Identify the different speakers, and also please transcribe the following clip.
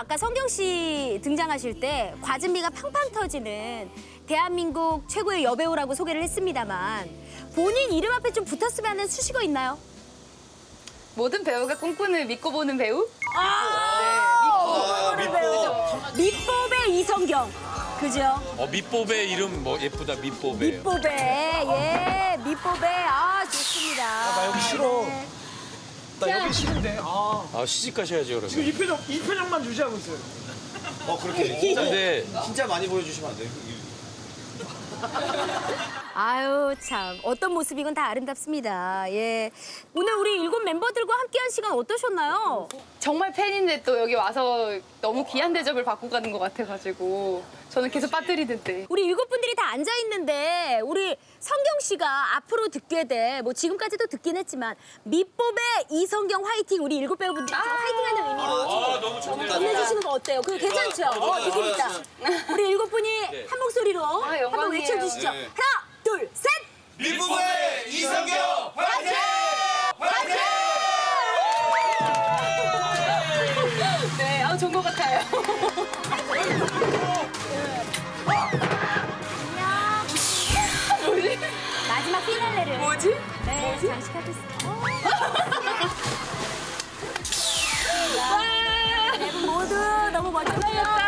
Speaker 1: 아까 성경 씨 등장하실 때 과즙미가 팡팡 터지는 대한민국 최고의 여배우라고 소개를 했습니다만 본인 이름 앞에 좀 붙었으면 하는 수식어 있나요?
Speaker 2: 모든 배우가 꿈꾸는 믿고 보는 배우?
Speaker 1: 밑보배 이성경. 그죠?
Speaker 3: 밑보배 이름 뭐 예쁘다, 밑보배.
Speaker 1: 밑보배. 예, 밑보배. 아, 좋습니다.
Speaker 4: 나 여기 싫어.
Speaker 1: 네.
Speaker 4: 나 여기 싫은데. 아,
Speaker 3: 시집 가셔야죠,
Speaker 4: 지금
Speaker 3: 그러면.
Speaker 4: 이 표정만 유지하고 있어요.
Speaker 5: 그렇게
Speaker 3: 근데
Speaker 5: 진짜 많이 보여주시면 안 돼요?
Speaker 1: 아유, 참. 어떤 모습이건 다 아름답습니다. 예. 오늘 우리 7 멤버들과 함께한 시간 어떠셨나요?
Speaker 2: 정말 팬인데 또 여기 와서 너무 귀한 대접을 받고 가는 것 같아가지고 저는 계속 빠뜨리는데.
Speaker 1: 우리 7분들이 다 앉아있는데 우리 성경 씨가 앞으로 듣게 돼. 뭐 지금까지도 듣긴 했지만 밑보배 이성경 화이팅. 우리 7 배우분들 화이팅하는 의미로
Speaker 3: 너무 좋네요.
Speaker 1: 전해주시는 거 어때요? 그거 괜찮죠? 느낌 있다. 우리 7분이 한 목소리로 한번
Speaker 2: 영광이에요.
Speaker 1: 외쳐주시죠.
Speaker 5: 네.
Speaker 1: 하나, 둘, 셋!
Speaker 5: 밑부부의 이성경 화이팅! 화이팅!
Speaker 2: 네, 좋은 것 같아요. 뭐지?
Speaker 1: 마지막 피날레를.
Speaker 2: 뭐지?
Speaker 1: 네, 장식하고 있어요. 네 분 모두 너무 멋졌고요.